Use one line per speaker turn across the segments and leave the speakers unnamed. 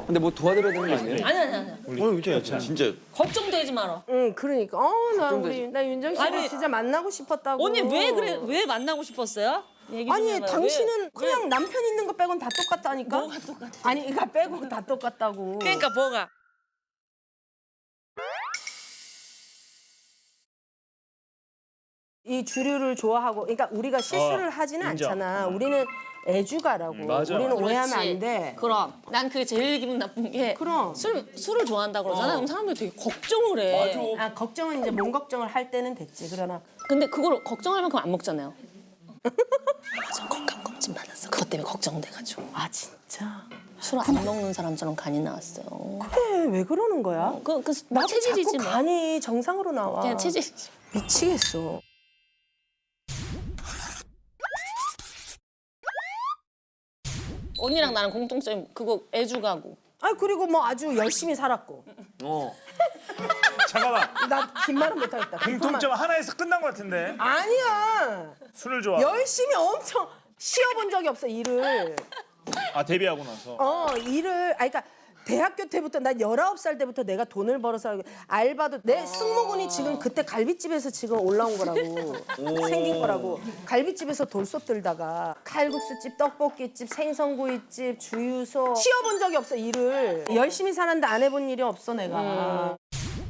근데 뭐 도와드려야 되는 거 아니에요?
아니.
진짜.
걱정되지 마라.
응, 그러니까. 나 윤정 씨를
아니,
진짜 만나고 싶었다고.
언니 왜 그래? 왜 만나고 싶었어요? 얘기 좀
아니,
해봐요.
당신은 그냥 남편 있는 거 빼곤 다 똑같다니까?
뭐가 똑같아?
아니, 이거 빼고 다 똑같다고.
그러니까 뭐가?
이 주류를 좋아하고, 그러니까 우리가 실수를 하지는
인정.
않잖아. 우리는 애주가라고.
맞아.
우리는 오해하면
그렇지.
안 돼.
그럼 난 그게 제일 기분 나쁜 게
그럼.
술을 좋아한다 그러잖아. 그럼 사람들이 되게 걱정을 해.
아, 걱정은 이제 몸 걱정을 할 때는 됐지. 그러나
근데 그걸 걱정할 만큼 안 먹잖아요. 저 건강검진 받았어. 그것 때문에 걱정돼가지고.
아, 진짜?
술 안 먹는 사람처럼 간이 나왔어요.
그래, 왜 그러는 거야? 나도
체질이지
자꾸
뭐.
간이 정상으로 나와.
그냥 체질이지.
미치겠어.
언니랑 나랑 공통점 그거 애주가고.
아, 그리고 뭐 아주 열심히 살았고.
잠깐만.
나 긴 말은 못하겠다.
공통점 하나에서 끝난 것 같은데.
아니야.
술을 좋아.
열심히 엄청 쉬어본 적이 없어, 일을.
아 데뷔하고 나서.
일을, 그러니까 대학교 때부터, 난 19살 때부터 내가 돈을 벌어서 알바도, 내 승모근이 지금 그때 갈비집에서 지금 올라온 거라고. 생긴 거라고. 갈비집에서 돌솥 들다가 칼국수집, 떡볶이집, 생선구이집, 주유소. 쉬어본 적이 없어, 일을. 열심히 사는데 안 해본 일이 없어, 내가.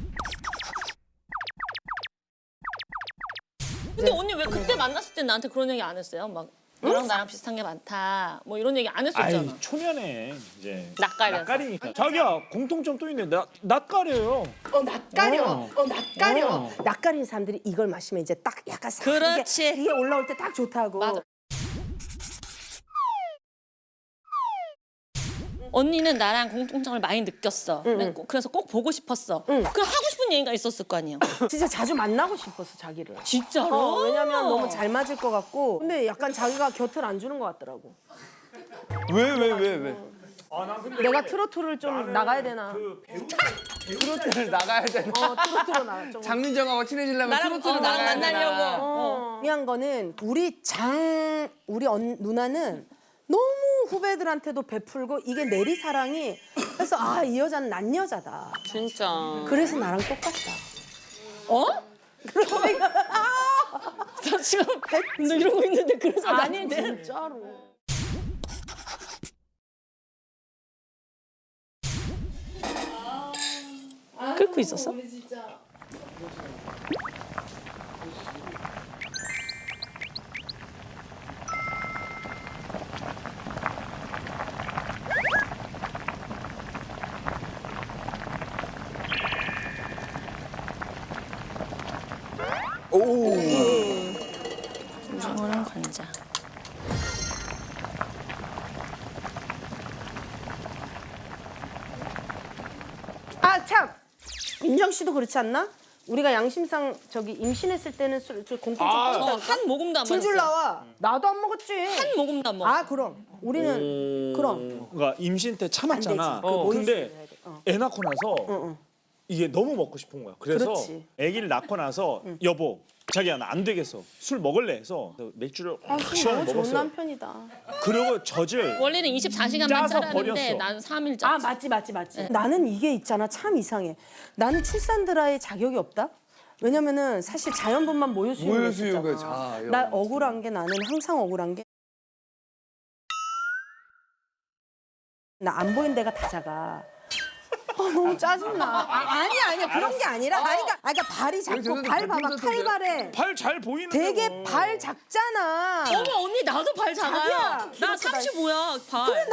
근데 언니 왜 그때 만났을 때 나한테 그런 얘기 안 했어요? 막 너랑 나랑 비슷한 게 많다. 뭐 이런 얘기 안 했었잖아.
아이 초면에 이제
낯가려서.
낯가리니까. 자기야 공통점 또 있네. 낯가려요.
낯가려. 낯가려. 낯가린 사람들이 이걸 마시면 이제 딱 약간 싹
그렇지.
이게 올라올 때 딱 좋다고.
맞아. 언니는 나랑 공통점을 많이 느꼈어. 그래서 꼭 보고 싶었어. 그 하고 싶은 얘기가 있었을 거 아니야.
진짜 자주 만나고 싶었어, 자기를.
진짜로?
왜냐면 너무 잘 맞을 것 같고. 근데 약간 자기가 곁을 안 주는 것 같더라고.
왜?
내가 트로트를 좀 나가야 되나?
트로트를 나가야 되나?
트로트로 나가. 좀.
장민정하고 친해지려면 트로트를
나랑
나가야 되나?
만나려고.
중요한 거는 우리 누나는 너무 후배들한테도 베풀고 이게 내리사랑이 그래서 아, 이 여자는 난 여자다.
진짜.
그래서 나랑 똑같다.
어? 나 지금 너 이러고 있는데 그래서
아니,
나한테
진짜로.
끓고 있었어? 오징어랑 간장.
아, 참. 민정 씨도 그렇지 않나? 우리가 양심상 저기 임신했을 때는 공통점
한 모금도 안
줄줄
먹었어.
나와. 나도 안 먹었지.
한 모금도 안 먹었어.
아, 그럼. 우리는 그럼.
그러니까 임신 때 참았잖아.
안 되지. 그 모유수유
근데
해야 돼.
애 낳고 나서 이게 너무 먹고 싶은 거야. 그래서
그렇지.
아기를 낳고 나서 여보 자기야 나 안 되겠어. 술 먹을래 해서 맥주를 확
너무
시원하게
좋은
먹었어요.
남편이다.
그리고 젖을
원래는 24시간만
짜서
짜라는데
버렸어.
난 3일
아,
짰지.
맞지. 나는 이게 있잖아. 참 이상해. 나는 출산드라의 자격이 없다? 왜냐면은 사실 자연분만 모유수유를
모유수유가
했잖아. 나 억울한 게 나는 항상 억울한 게 나 안 보인 데가 다 작아. 너무 짜증나. 아니야. 그런 게 아니라. 그러니까 발이 작고 발 봐봐. 칼발에
발 잘 보이는데
되게
뭐.
발 작잖아.
어머 언니 나도 발 작아요.
자기야,
나
키로수
35야 발.
그래, 나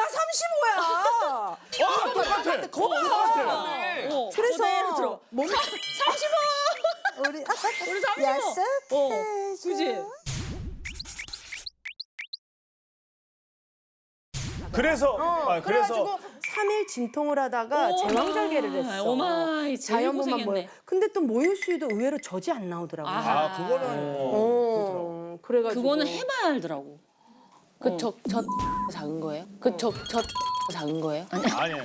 35야.
똑같아.
거봐. 그래서
그대로 들어.
몸
35.
우리
35.
야스
그지?
그래서
그래가지고 3일 진통을 하다가 제왕절개를 했어.
오마이 제일
자연분만 모유.
고생했네.
근데 또 모유수유도 의외로 젖이 안 나오더라고.
그거는
그래가지고
그거는 해봐야 알더라고.
저 작은 거예요? 저 작은 거예요?
아니에요.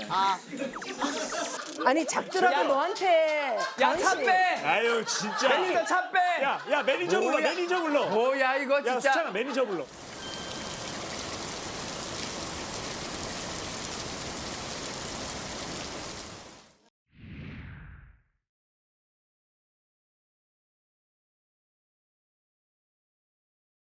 아니 작더라도 너한테
야, 차 빼!
아유 진짜.
매니저 차 빼!
야 매니저 불러.
뭐야 이거
야
진짜.
수찬아 매니저 불러.